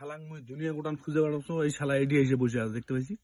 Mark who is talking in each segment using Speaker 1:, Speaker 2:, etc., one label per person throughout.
Speaker 1: শালাং মুই দুনিয়া গোটান খুঁজে বেড়াচ্ছো, এই শালা এডি এসে বসে আছে দেখতে পাইছি।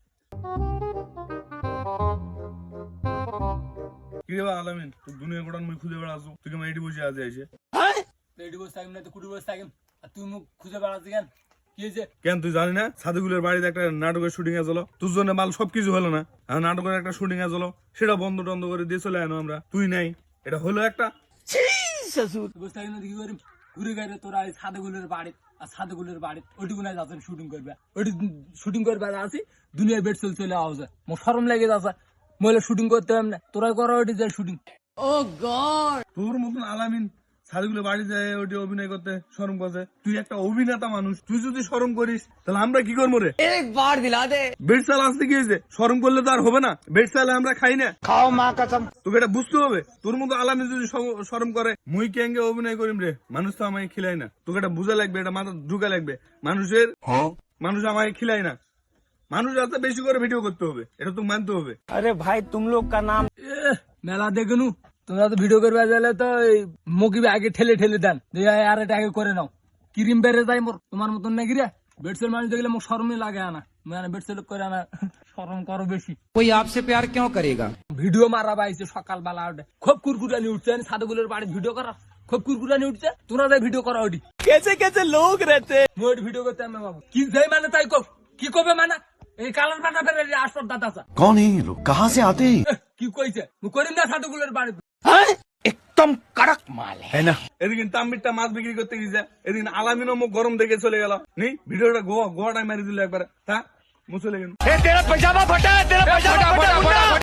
Speaker 1: কি রে আলামিন, তুই দুনিয়া গোটান মুই খুঁজে বেড়াচ্ছো, তুই কেমন এডি বসে আছে এসে?
Speaker 2: এডি বসে থাকিম না তো কুটি বসে থাকিম, আর তুই মুখ খুঁজে বেড়াচ্ছি কেন? কি হয়েছে?
Speaker 1: কেন তুই জানি না সাদুগুলের বাড়িতে একটা নাটকের শুটিং এ চলো, তোর জন্য মাল সবকিছু হলো না, আর নাটকের একটা শুটিং এ চলো, সেটা বন্ধ টন্ধ করে দিয়ে চলে আনো আমরা, তুই নাই, এটা হলো একটা।
Speaker 2: বসে থাকিম না কি করিম? ঘুরে গেলে তোরা এই সাদুগুলের বাড়ি আর সাদুগুলের বাড়ি ওইটুকু নাই যাচ্ছেন শুটিং করবে, ওইটি শুটিং করবে আসি দুনিয়ার বেড চলে আওয়া যায়, মোর শরম লেগে যাচ্ছে, মহিলা শুটিং করতে হবে না, তোরাই করো ওইটি যায় শুটিং।
Speaker 1: তোর মতন আলামিন সাদুগুলের বাড়ি যায় ওটি অভিনয় করতে শরম করছে, তুই একটা অভিনেতা মানুষ, তুই যদি শরম করিস তাহলে আমরা কি করবো রে?
Speaker 3: একবার দিলা দে
Speaker 1: বেড চাল আসতে গিয়েছে, শরম করলে তো আর হবে না, বেড চালে আমরা খাই না,
Speaker 3: খাও মা কসম।
Speaker 1: তোকে এটা বুঝতে হবে। তোর মতো আলামিন যদি শরম করে, মুই কেঙ্গে অভিনয় করিম রে, মানুষ তো আমাকে খিলাই না, তোকে এটা বুঝা লাগবে, এটা মাথা ঢুকা লাগবে, মানুষ আমাকে খিলাই না, মানুষ আছে বেশি করে ভিডিও করতে হবে, এটা তো মানতে হবে।
Speaker 3: अरे भाई तुम लोग का नाम
Speaker 2: মেলা দেখনু তোমরা তো ভিডিও করবে গেলে তো মুখি আগে ঠেলে ঠেলে দেন, আর এটা আগে করে নাও, ক্রিম বেড়ে যায় মোর, তোমার মতন নাকি রে? বেডসেল মানুষ দেখলে মুখ শরমই লাগে আনা, মানে বেডসেল করে আনা, শরম করো বেশি।
Speaker 3: कोई आपसे प्यार क्यों करेगा?
Speaker 2: ভিডিও মারা পাইছে সকালবেলা উঠে, খুব কুরকুরানি উঠছে, সাদুগুলোর বাড়ি ভিডিও করা খুব কুরকুরানি উঠছে, তোমরা যাই ভিডিও করা ওটি
Speaker 3: कैसे कैसे लोग रहते हैं?
Speaker 2: মোট ভিডিও করতে আমি বাবু কি যাই মানে তাই কব, কি কবে মানে এই কালার পাটা ফেলে আসর দাদা আছে
Speaker 4: कौन है ये लोग, कहाँ से आते हैं?
Speaker 2: কি কইছে মুই করিম না সাদুগুলোর বাড়ি।
Speaker 3: एकदम कड़क माल है
Speaker 1: না এদিকে তাম্বিরটা মাছ বিক্রি করতে গিয়েছে, এদিকে আলামিনও মুখ গরম দেখে চলে গেল, নেই ভিডিওটা গোয়াটাই মারি দিল একবারে, তা মুখ চলে গেল।
Speaker 3: तेरा पजामा फटा है, तेरा पजामा फटा।